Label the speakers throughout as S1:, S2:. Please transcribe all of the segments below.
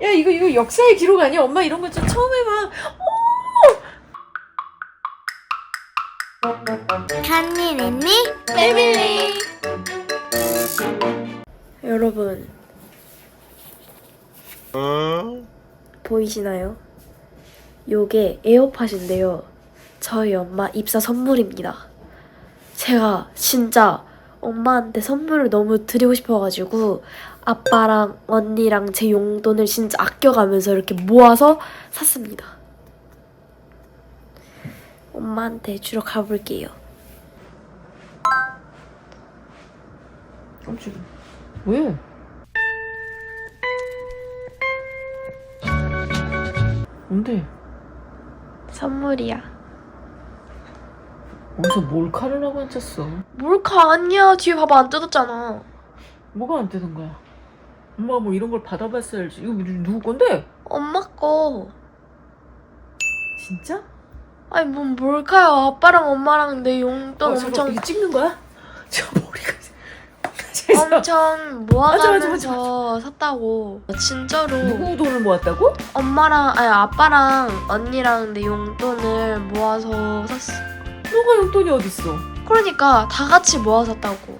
S1: 야, 이거 역사의 기록 아니야? 엄마 이런 거 좀 처음 해봐.
S2: 간니랜니 패밀리.
S3: 여러분 보이시나요? 요게 에어팟인데요. 저희 엄마 입사 선물입니다. 제가 진짜 엄마한테 선물을 너무 드리고 싶어가지고 아빠랑 언니랑 제 용돈을 진짜 아껴가면서 이렇게 모아서 샀습니다. 엄마한테 주러 가볼게요.
S1: 깜짝이야. 왜? 뭔데?
S3: 선물이야.
S1: 어디서 몰카를 하고 앉았어?
S3: 몰카 아니야. 뒤에 봐봐, 안 뜯었잖아.
S1: 뭐가 안 되는 거야? 엄마가 뭐 이런 걸 받아봤어야지. 이거 누구 건데?
S3: 엄마 거.
S1: 진짜?
S3: 아니 뭔 몰카야. 아빠랑 엄마랑 내 용돈
S1: 잠깐,
S3: 엄청
S1: 이게 찍는 거야? 저 머리가 세상.
S3: 엄청 모아가면서 샀다고. 진짜로.
S1: 누구 돈을 모았다고?
S3: 엄마랑 아니 아빠랑 언니랑 내 용돈을 모아서 샀어.
S1: 너가 용돈이 어딨어?
S3: 그러니까 다 같이 모아 샀다고.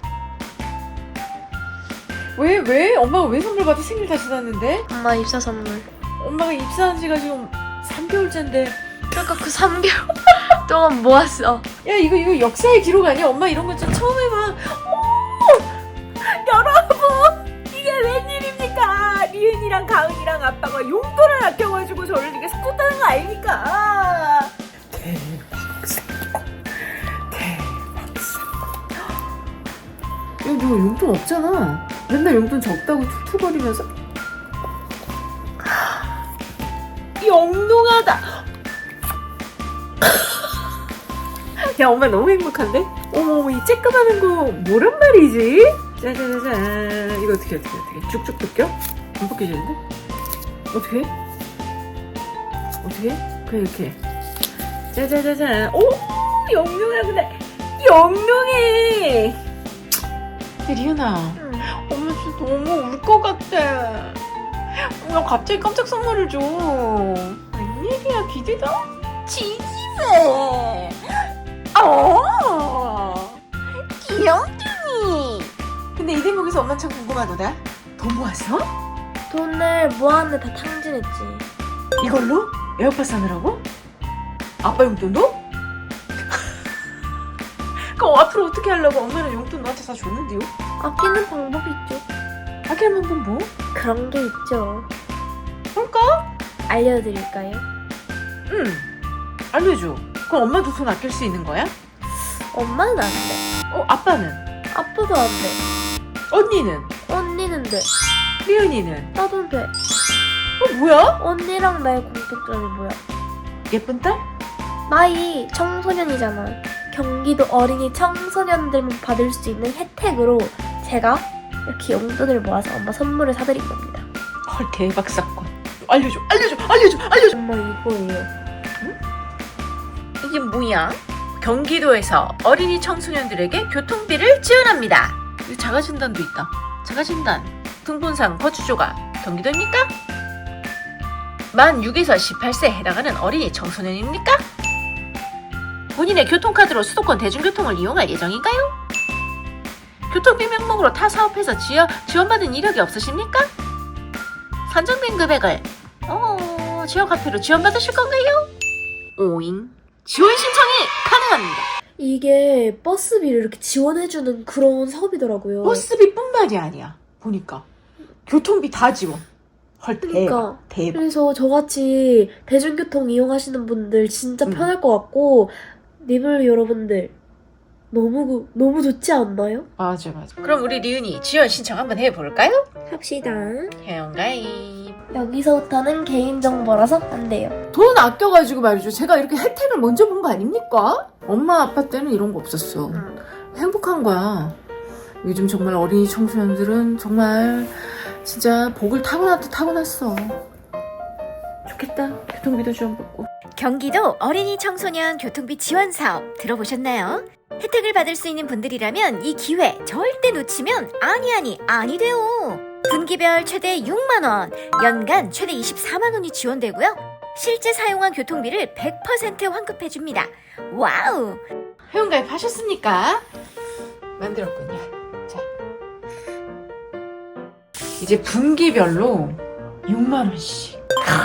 S1: 왜? 엄마가 왜 선물 받아 생일 다 지났는데?
S3: 엄마 입사 선물.
S1: 엄마가 입사한 지가 지금 3개월째인데.
S3: 그러니까 그 3개월 동안 모았어.
S1: 야, 이거 역사의 기록 아니야? 엄마 이런 거 좀 처음 해봐.
S4: 여러분, 이게 웬일입니까? 리은이랑 가은이랑 아빠가 용돈을 아껴가지고 저를 이렇게 사줬다는 거 아닙니까?
S1: 대박 사건. 야, 너 용돈 없잖아. 맨날 용돈 적다고 툭툭거리면서.
S4: 영롱하다. 야, 엄마 너무 행복한데? 어머, 이 쬐끄마한 거 뭐란 말이지? 짜자자잔. 이거 어떻게 쭉쭉 벗겨?
S1: 안 벗겨지는데?
S4: 어떻게? 그냥 이렇게. 짜자자잔. 오, 영롱하구나. 영롱해.
S1: 리은아,
S3: 응.
S1: 엄마 진짜 너무 울 것 같아. 엄마 갑자기 깜짝 선물을 줘. 웬일이야, 기대다?
S4: 지지배. 귀염둥이.
S1: 근데 이 대목에서 엄마 참 궁금하더라. 돈 모았어?
S3: 돈을 모았는데 다 탕진했지.
S1: 이걸로? 에어팟 사느라고? 아빠 용돈도? 그럼 앞으로 어떻게 하려고? 엄마는 용돈 너한테 다 줬는데요?
S3: 아끼는 방법이 있죠.
S1: 아낄 만큼 뭐?
S3: 그런 게 있죠.
S1: 뭘까?
S3: 알려드릴까요?
S1: 응, 알려줘. 그럼 엄마도 돈 아낄 수 있는 거야?
S3: 엄마는 안 돼.
S1: 아빠는?
S3: 아빠도 안 돼.
S1: 언니는?
S3: 언니는 돼.
S1: 리은이는?
S3: 나도 돼.
S1: 뭐야?
S3: 언니랑 나의 공통점이 뭐야?
S1: 예쁜 딸?
S3: 나이 청소년이잖아. 경기도 어린이 청소년들만 받을 수 있는 혜택으로 제가 이렇게 용돈을 모아서 엄마 선물을 사드린 겁니다.
S1: 헐, 대박 사건. 알려줘.
S3: 엄마 이거예요.
S1: 이게 뭐야? 경기도에서 어린이 청소년들에게 교통비를 지원합니다. 여기 자가진단도 있다. 자가진단. 등본상 거주조가 경기도입니까? 만 6에서 18세에 해당하는 어린이 청소년입니까? 본인의 교통카드로 수도권 대중교통을 이용할 예정인가요? 교통비 명목으로 타 사업에서 지원받은 이력이 없으십니까? 산정된 금액을 지역화폐로 지원받으실 건가요? 오잉. 지원 신청이 가능합니다.
S3: 이게 버스비를 이렇게 지원해주는 그런 사업이더라고요.
S1: 버스비뿐만이 아니야. 보니까 교통비 다 지원. 헐,
S3: 그러니까.
S1: 대박.
S3: 그래서 저같이 대중교통 이용하시는 분들 진짜 편할 것 같고 리블 여러분들 너무 좋지 않나요?
S1: 맞아. 그럼 우리 리은이 지원 신청 한번 해볼까요?
S3: 합시다.
S1: 회원가입.
S3: 여기서부터는 개인정보라서 안 돼요.
S1: 돈 아껴가지고 말이죠. 제가 이렇게 혜택을 먼저 본 거 아닙니까? 엄마 아빠 때는 이런 거 없었어. 행복한 거야. 요즘 정말 어린이 청소년들은 정말 진짜 복을 타고났어. 좋겠다. 교통비도 지원받고.
S2: 경기도 어린이 청소년 교통비 지원 사업 들어보셨나요? 혜택을 받을 수 있는 분들이라면 이 기회 절대 놓치면 아니 돼요. 분기별 최대 6만원, 연간 최대 24만원이 지원되고요. 실제 사용한 교통비를 100% 환급해줍니다. 와우!
S1: 회원가입 하셨습니까? 만들었군요. 자, 이제 분기별로 6만원씩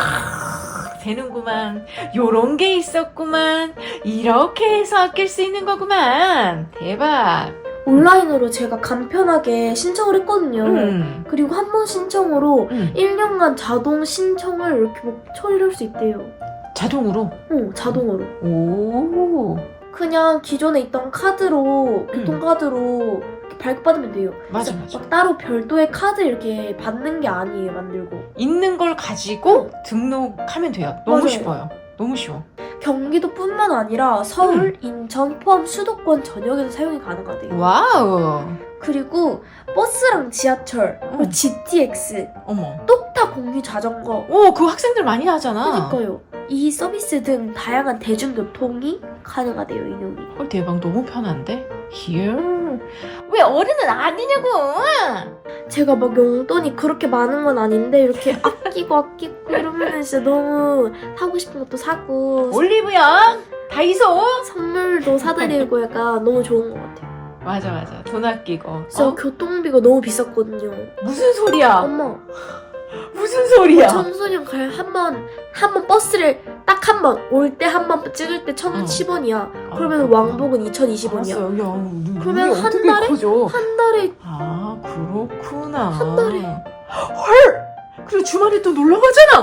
S1: 되는구만. 요런 게 있었구만. 이렇게 해서 아낄 수 있는 거구만. 대박.
S3: 온라인으로 제가 간편하게 신청을 했거든요. 그리고 한 번 신청으로 1년간 자동 신청을 이렇게 뭐 처리를 할 수 있대요.
S1: 자동으로.
S3: 자동으로.
S1: 오.
S3: 그냥 기존에 있던 카드로, 교통카드로 이렇게 발급받으면 돼요.
S1: 맞아,
S3: 그래서
S1: 맞아.
S3: 막 따로 별도의 카드 이렇게 받는 게 아니에요, 만들고.
S1: 있는 걸 가지고 등록하면 돼요. 너무
S3: 맞아요.
S1: 쉬워요. 너무 쉬워.
S3: 경기도뿐만 아니라 서울, 인천, 포함 수도권 전역에서 사용이 가능하대요.
S1: 와우.
S3: 그리고 버스랑 지하철, 그리고 GTX,
S1: 어머.
S3: 똑타 공유 자전거,
S1: 오, 그거 학생들 많이 하잖아.
S3: 그러니까요. 이 서비스 등 다양한 대중교통이 가능하대요, 이용이.
S1: 헐, 대박. 너무 편한데? Here. 왜 어른은 아니냐고!
S3: 제가 막 용돈이 그렇게 많은 건 아닌데 이렇게 아끼고 이러면 진짜 너무 사고 싶은 것도 사고
S1: 올리브영, 다이소.
S3: 선물도 사드리고 약간 너무 좋은 것 같아요.
S1: 맞아, 맞아. 돈 아끼고.
S3: 진짜 교통비가 너무 비쌌거든요.
S1: 무슨 소리야?
S3: 엄마,
S1: 무슨 소리야?
S3: 청소년 갈 한 번 버스를 딱 한 번, 올 때 한 번 찍을 때 1,010원이야. 그러면 왕복은 2,020원이야.
S1: 알았어. 야,
S3: 그러면 한
S1: 어떻게
S3: 달에?
S1: 커져?
S3: 한 달에
S1: 아, 그렇구나.
S3: 한 달에.
S1: 헐! 그리고 주말에 또 놀러 가잖아.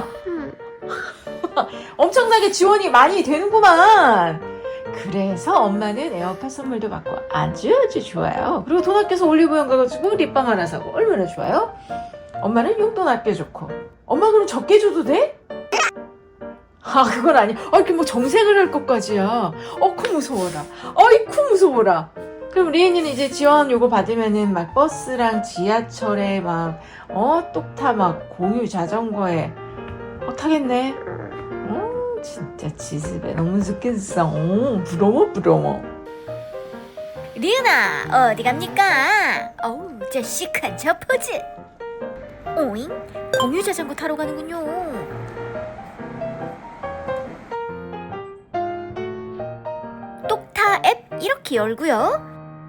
S1: 엄청나게 지원이 많이 되는구만. 그래서 엄마는 에어팟 선물도 받고 아주 좋아요. 그리고 돈 아껴서 올리브영 가가지고 립밤 하나 사고 얼마나 좋아요? 엄마는 용돈 아껴줬고. 엄마 그럼 적게 줘도 돼? 아, 그건 아니야. 이렇게 뭐 정색을 할 것까지야. 어쿠 무서워라. 어이쿠 무서워라. 그럼 리엔이는 이제 지원 요거 받으면은 막 버스랑 지하철에 막 똑타 막 공유 자전거에 타겠네. 진짜 지습에 너무 좋겠어. 부러워.
S2: 리은아, 어디 갑니까? 어우, 저 시크한 저 포즈. 오잉? 공유 자전거 타러 가는군요. 똑타 앱 이렇게 열고요.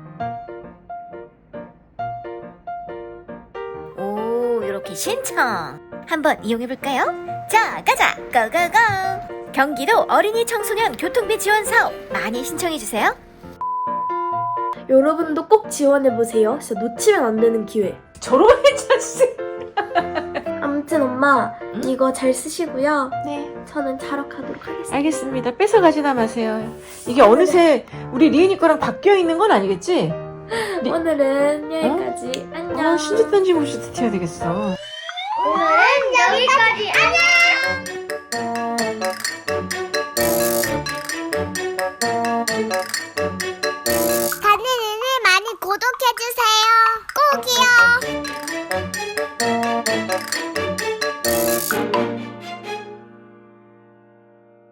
S2: 오, 이렇게 신청. 한번 이용해볼까요? 자, 가자! 고고고! 경기도 어린이 청소년 교통비 지원 사업 많이 신청해주세요.
S3: 여러분도 꼭 지원해보세요. 진짜 놓치면 안 되는 기회.
S1: 저런 자식.
S3: 아무튼 엄마, 이거 잘 쓰시고요.
S1: 네,
S3: 저는 자러 가도록 하겠습니다.
S1: 알겠습니다. 뺏어가지나 마세요. 이게 어느새 우리 리은이 거랑 바뀌어 있는 건 아니겠지?
S3: 오늘은 여기까지. 안녕.
S1: 신주 던짐없이 튀어야 되겠어.
S3: 오늘은 여기까지. 안녕.